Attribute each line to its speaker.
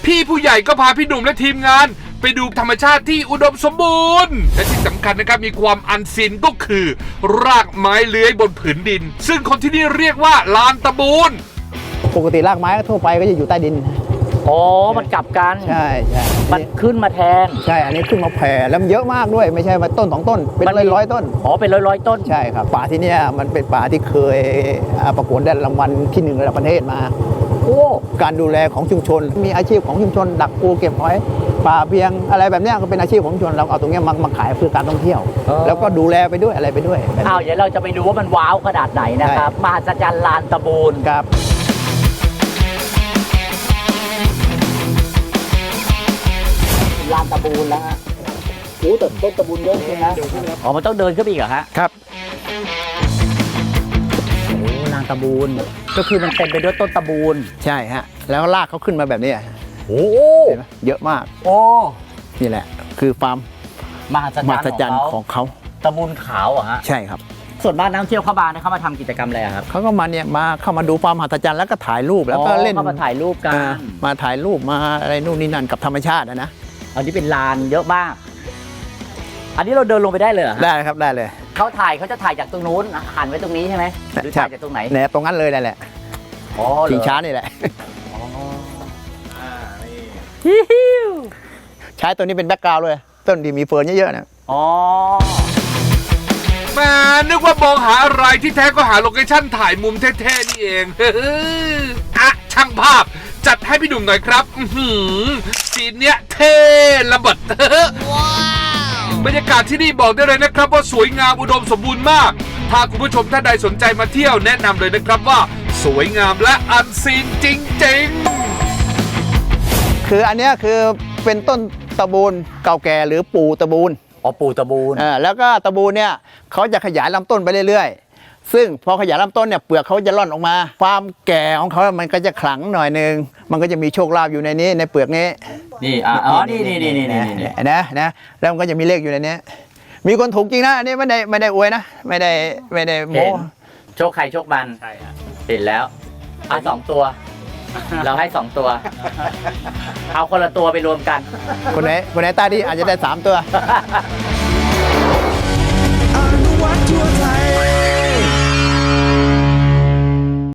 Speaker 1: พี่ผู้ใหญ่ก็พาพี่หนุ่มและทีมงานไปดูธรรมชาติที่อุดมสมบูรณ์และที่สำคัญนะครับมีความอันซีนก็คือรากไม้เลื้อยบนผืนดินซึ่งคนที่นี่เรียกว่าลานตะบูน
Speaker 2: ปกติรากไม้ทั่วไปก็จะอยู่ใต้ดิน
Speaker 3: อ๋อมันกลับกัน
Speaker 2: ใช่
Speaker 3: มันขึ้นมาแทน
Speaker 2: ใช่อันนี้ขึ้นมาแผ่แล้วมันเยอะมากด้วยไม่ใช่มาต้น2 ต้นเป็นร้อยต้น
Speaker 3: อ๋อเป็นร้อยต้น
Speaker 2: ใช่ครับป่าที่นี่มันเป็นป่าที่เคยประกวดได้รางวัลที่1ระดับประเทศมา
Speaker 3: โอ้
Speaker 2: การดูแลของชุมชนมีอาชีพของชุมชนดักปูเก็บหอยป่าเพียงอะไรแบบนี้ก็เป็นอาชีพของชุมชนเราเอาตรงนี้มาขายเพื่อการท่องเที่ยวแล้วก็ดูแลไปด้วยอะไรไปด้วย
Speaker 3: เดี๋ยวเราจะไปดูว่ามันว้าวขนาดไหนนะครับมหัศจรรย์ลานตะบูน
Speaker 2: ครับ
Speaker 3: ลานตะบูนแล้วฮะโอ้แต่ต้นตะบูนเยอะจริงนะอ๋อมันต้องเดินขึ้นไปอีกเหรอฮะ
Speaker 2: ครับ
Speaker 3: โอ้ลานตะบูนก็คือมันเต็มไปด้วยต้นตะบูน
Speaker 2: ใช่ฮะแล้วลากเขาขึ้นมาแบบนี้
Speaker 3: โอ้
Speaker 2: เยอะมาก
Speaker 3: โอ้
Speaker 2: นี่แหละคือฟาร์ม
Speaker 3: มหัศจรรย์
Speaker 2: ของเขา
Speaker 3: ตะบูนขาวอ่ะฮะ
Speaker 2: ใช่ครับ
Speaker 3: ส่วนบ้านนักท่องเที่ยวเข้ามาเนี่ยเขามาทำกิจกรรมอะไรครับ
Speaker 2: เขาก็มาเนี่ยเข้ามาดูฟาร์มมหัศจรรย์แล้วก็ถ่ายรูปแล้วก็เล่น
Speaker 3: เข้ามาถ่ายรูปกัน
Speaker 2: มาถ่ายรูปมาอะไรนู่นนี่นั่นกับธรรมชาตินะ
Speaker 3: อันนี้เป็นลานเยอะมากอันนี้เราเดินลงไปได้เลย
Speaker 2: ได้ครับได้เลย
Speaker 3: เขาจะถ่ายจากตรงนู้นหันไว้ตรงนี้ใช่ไหมหรือถ่ายจากตรงไหน
Speaker 2: เนี่ยตรงนั้นเลยแหละชิงช้านี่แหละใช้ตัวนี้เป็นแบ็คกราวด์เลยต้นดีมีเฟิร์นเยอะๆนะ
Speaker 1: แม่นึกว่ามองหาอะไรที่แท้ก็หาโลเคชั่นถ่ายมุมเท่ๆนี่เองอ่ะช่างภาพจัดให้พี่หนุ่มหน่อยครับซีนเนี้ยเท่ระเบิดบรรยากาศที่นี่บอกได้เลยนะครับว่าสวยงามอุดมสมบูรณ์มากถ้าคุณผู้ชมท่านใดสนใจมาเที่ยวแนะนำเลยนะครับว่าสวยงามและอันซีนจริง
Speaker 2: ๆคืออันนี้คือเป็นต้นตะบูนเก่าแก่หรือปู่ตะบูน
Speaker 3: ปู่ตะบูน
Speaker 2: แล้วก็ตะบูนเนี่ยเขาจะขยายลำต้นไปเรื่อยๆซึ่งพอขยายลำต้นเนี่ยเปลือกเขาจะร่อนออกมาความแก่ของเขามันก็จะขลังหน่อยนึงมันก็จะมีโชคลาภอยู่ในนี้ในเปลือกนี้
Speaker 3: นี่นี่
Speaker 2: นะแล้วมันก็จะมีเลขอยู่ในนี้มีคนถูกจริงนะอันนี้ไม่ได้อวยนะไม่ได้โม้
Speaker 3: โชคใครโชคมันใช่ครับเห็นแล้ว2 ตัวเราให้2 ตัวเอาคนละตัวไปรวมกัน
Speaker 2: คนไหนตาดีอาจจะได้3 ตัว